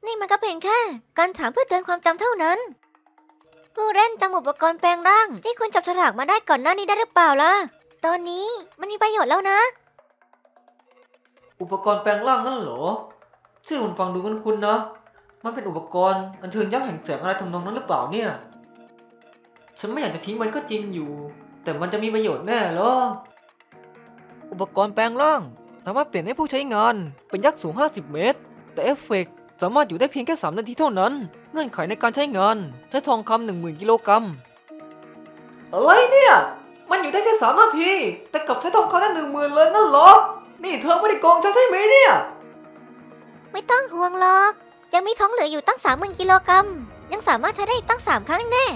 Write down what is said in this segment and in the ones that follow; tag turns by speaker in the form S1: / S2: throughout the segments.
S1: นี่มันก็เป็นแค่การถามเพื่อเตือนความจำเท่านั้นผู้เล่นจำอุปกรณ์แปลงร่างที่คุณจับฉลากมาได้ก่อนหน้านี้ได้หรือเปล่าล่ะตอนนี้มันมีประโยชน์แล้วนะ
S2: อุปกรณ์แปลงร่างนั่นเหรอชื่อมันฟังดูคุ้นๆนะมันเป็นอุปกรณ์อัญเชิญยักษ์แห่งแสงอะไรทำนองนั้นหรือเปล่าเนี่ยฉันไม่อยากจะทิ้งมันก็จริงอยู่ แต่มันจะมีประโยชน์แน่เหรออุปกรณ์แปลงร่างสามารถเปลี่ยนให้ผู้ใช้งานเป็นยักษ์สูง50 เมตรแต่เอฟเฟกต์สามารถอยู่ได้เพียงแค่3 นาทีเท่านั้นเงื่อนไขในการใช้งานใช้ทองคำ10,000 กิโลกรัมอะไรเนี่ยมันอยู่ได้แค่3 นาทีแต่กลับใช้ทองคำได้10,000เลยนั่นเหรอนี่เธอไม่ได้โกงฉันใช่ไหมเนี่ย
S1: ไม่ต้องห่วงหรอกยังมีท้องเหลืออยู่ตั้ง30,000 กิโลกรัมยังสามารถใช้ได้อีกตั้ง3 ครั้งแน่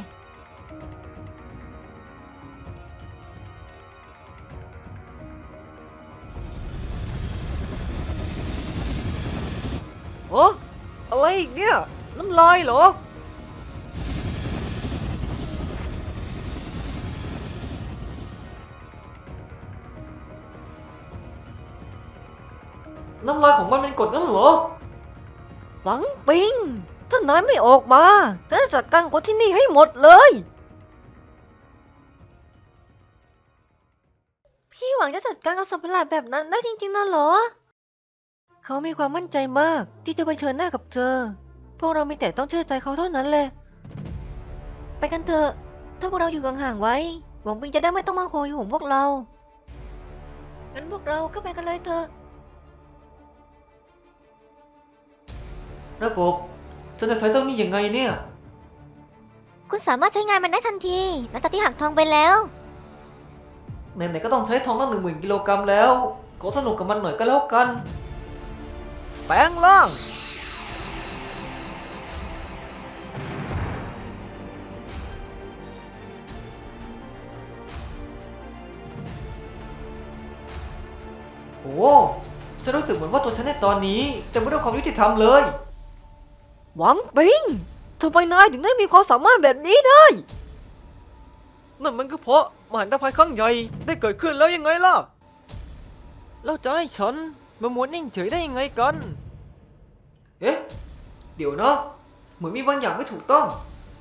S2: โอ้อะไรอีกเนี่ยน้ำลายเหรอน้ำลายของมันเป็นกรดงั้นเหรอหวังปิงถ้านายไม่ออกมาจะจัดการคนที่นี่ให้หมดเลย
S1: พี่หวังจะจัดการกับสัตว์ประหลาดแบบนั้นได้จริงๆนะเหรอ
S2: เขามีความมั่นใจมากที่จะเผชิญหน้ากับเธอพวกเรามีแต่ต้องเชื่อใจเขาเท่านั้นแหละ
S1: ไปกันเถอะถ้าพวกเราอยู่ห่างๆไว้หวังปิงจะได้ไม่ต้องมาโหยหวงพวกเรางั้นพวกเราก็ไปกันเลยเถอะ
S2: ระบบฉันจะใช้เจ้านี่ยังไงเนี่ย
S1: คุณสามารถใช้งานมันได้ทันทีหลังจากที่หักทองไปแล้ว
S2: ไหนๆก็ต้องใช้ทองตั้ง10,000 กิโลกรัมแล้วขอสนุกกับมันหน่อยก็แล้วกันแปลงร่างโอ้ฉันรู้สึกเหมือนว่าตัวฉันในตอนนี้เต็มไปด้วยความยุติธรรมเลย หวังปิงทำไมนายถึงได้มีความสามารถแบบนี้ได้ นั่นมันก็เพราะมหันตภัยครั้งใหญ่ได้เกิดขึ้นแล้วยังไงล่ะ แล้วจะให้ฉันมามัวนิ่งเฉยได้ยังไงกัน เอ๊ะ เดี๋ยวนะ เหมือนมีบางอย่างไม่ถูกต้อง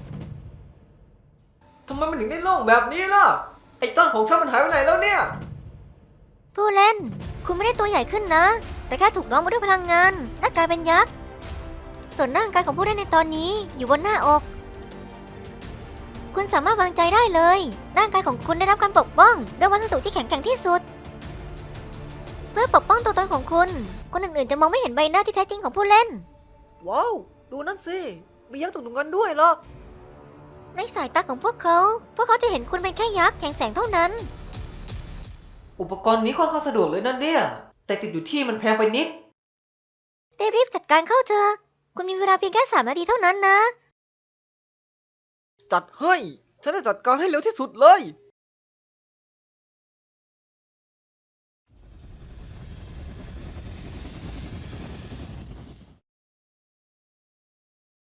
S2: ทำไมมันถึงได้โล่งแบบนี้ล่ะ ไอ้ต้นของฉันมันหายไปไหนแล้วเนี่ย
S1: ผู้เล่น คุณไม่ได้ตัวใหญ่ขึ้นนะ แต่แค่ถูกน้อมมาด้วยพลังงานและกลายเป็นยักษ์ ส่วนร่างกายของผู้เล่นในตอนนี้อยู่บนหน้าอก คุณสามารถวางใจได้เลย ร่างกายของคุณได้รับการปกป้องด้วยวัสดุที่แข็งแกร่งที่สุด เพื่อปกป้องตัวตนของคุณ คนอื่นๆจะมองไม่เห็นใบหน้าที่แท้จริงของผู้เล่น
S2: ว้าว ดูนั่นสิ มียักษ์ตกตรงกันด้วยเหรอ
S1: ในสายตาของพวกเขาจะเห็นคุณเป็นแค่ยักษ์แห่งแสงเท่านั้น
S2: อุปกรณ์นี้ค่อนข้างสะดวกเลยนั่นเนี่ย แต่ติดอยู่ที่มันแพงไปนิด
S1: รีบๆจัดการเข้าเถอะคุณมีเวลาเพียงแค่3 นาทีเท่านั้นนะ
S2: จัดให้ ฉันจะจัดการให้เร็วที่สุดเลย